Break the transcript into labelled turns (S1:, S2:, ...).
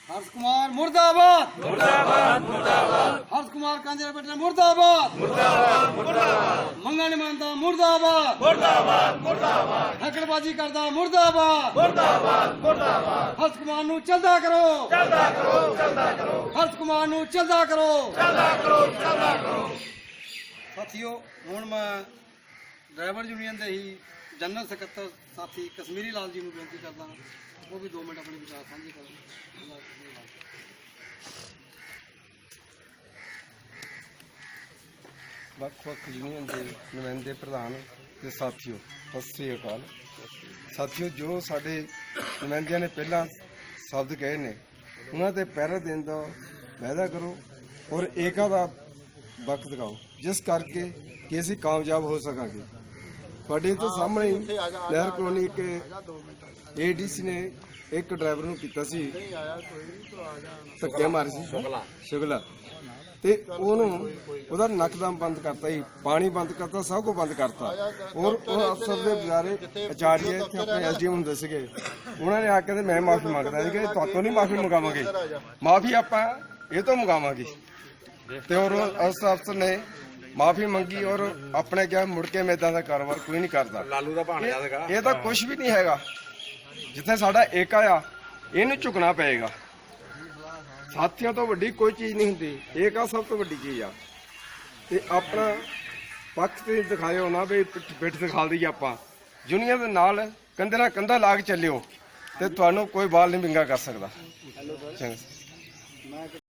S1: हर्ष कुमार मुर्दाबाद मुर्दाबाद मुर्दाबाद हर्ष कुमार कांजरा बेटा मुर्दाबाद मुर्दाबाद मुर्दाबाद मंगा नहीं मानता मुर्दाबाद मुर्दाबाद मुर्दाबाद हैकड़बाजी करता मुर्दाबाद मुर्दाबाद मुर्दाबाद हर्ष कुमार नू चलदा करो हर्ष कुमार नू चलदा करो साथियों हुण मैं ड्राइवर यूनियन के ही जनरल सकत्तर साथी कश्मीरी लाल जी को बेनती करता हाँ वो भी 2 मिनट अपने विचार साझे करें।
S2: ਵੱਖ-ਵੱਖ ਯੂਨੀਅਨ ਦੇ ਨੁਮਾਇੰਦੇ ਪ੍ਰਧਾਨ ਤੇ ਸਾਥੀਓ ਸਤਿ ਸ੍ਰੀ ਅਕਾਲ। ਸਾਥੀਓ ਜੋ ਸਾਡੇ ਨੁਮਾਇੰਦਿਆਂ ਨੇ ਪਹਿਲਾਂ ਸ਼ਬਦ ਕਹੇ ਨੇ ਉਹਨਾਂ ਤੇ ਪਹਿਰਾ ਦੇਣ ਦਾ ਵਾਅਦਾ ਕਰੋ ਔਰ ਏਕਾ ਦਾ ਵਕਤ ਦਿਖਾਓ ਜਿਸ ਕਰਕੇ ਕਿ ਅਸੀਂ ਕਾਮਯਾਬ ਹੋ ਸਕਾਂਗੇ। ਤੁਹਾਡੇ ਤੋਂ ਸਾਹਮਣੇ ਲਹਿਰ ਕਲੋਨੀ ਕੇ ਏਡੀਸੀ ਨੇ ਇੱਕ ਡਰਾਈਵਰ ਨੂੰ ਕੀਤਾ ਸੀ ਧੱਕੇ ਮਾਰੇ ਸੀ ਸ਼ੁਗਲਾ ਤੇ ਉਹਨੂੰ ਉਹਦਾ ਨੱਕਦਮ ਬੰਦ ਕਰਤਾ ਜੀ, ਪਾਣੀ ਬੰਦ ਕਰਤਾ, ਸਭ ਕੁਝ ਬੰਦ ਕਰਤਾ। ਔਰ ਉਹ ਅਫਸਰ ਦੇ ਵਿਚਾਰੇ ਆਚਾਰੀਆ ਇੱਥੇ ਆਪਣੇ ਐਸਡੀਐਮ ਹੁੰਦੇ ਸੀਗੇ, ਉਹਨਾਂ ਨੇ ਆ ਕੇ ਮੈਂ ਮਾਫੀ ਮੰਗਦਾ ਸੀ ਕਿ ਤੁਹਾਤੋਂ ਨਹੀਂ ਮਾਫੀ ਮੰਗਾਵਾਂਗੇ, ਮਾਫੀ ਆਪਾਂ ਇਹ ਤੋਂ ਮੰਗਾਵਾਂਗੇ। ਤੇ ਔਰ ਉਸ ਅਫਸਰ ਨੇ ਮਾਫੀ ਮੰਗੀ ਔਰ ਆਪਣੇ ਕਿਹਾ ਮੁੜ ਕੇ ਮੈਂ ਇਦਾਂ ਦਾ ਕਾਰੋਬਾਰ ਕੋਈ ਨਹੀਂ ਕਰਦਾ। ਲਾਲੂ ਦਾ ਭਾਣਜਾ ਸੀਗਾ ਇਹ ਤਾਂ ਕੁਝ ਵੀ ਨਹੀਂ ਹੈਗਾ। ਜਿੱਥੇ ਸਾਡਾ ਏਕਾ ਆ ਇਹਨੂੰ ਝੁਕਣਾ ਪਏਗਾ। ਸਾਥੀਆਂ ਤੋਂ ਵੱਡੀ ਕੋਈ ਚੀਜ਼ ਨਹੀਂ ਹੁੰਦੀ, ਏਕਾ ਸਭ ਤੋਂ ਵੱਡੀ ਚੀਜ਼ ਆ। ਤੇ ਆਪਣਾ ਪੱਖ ਤੇ ਦਿਖਾਇਓ ਨਾ ਵੀ ਪਿੱਠ ਦਿਖਾ ਦਈਏ ਆਪਾਂ, ਯੂਨੀਅਨ ਦੇ ਨਾਲ ਕੰਧੇ ਨਾਲ ਕੰਧਾ ਲਾ ਕੇ ਚੱਲਿਓ ਤੇ ਤੁਹਾਨੂੰ ਕੋਈ ਬਾਲ ਨਹੀਂ ਵਿੰਗਾ ਕਰ ਸਕਦਾ। ਚੰਗਾ।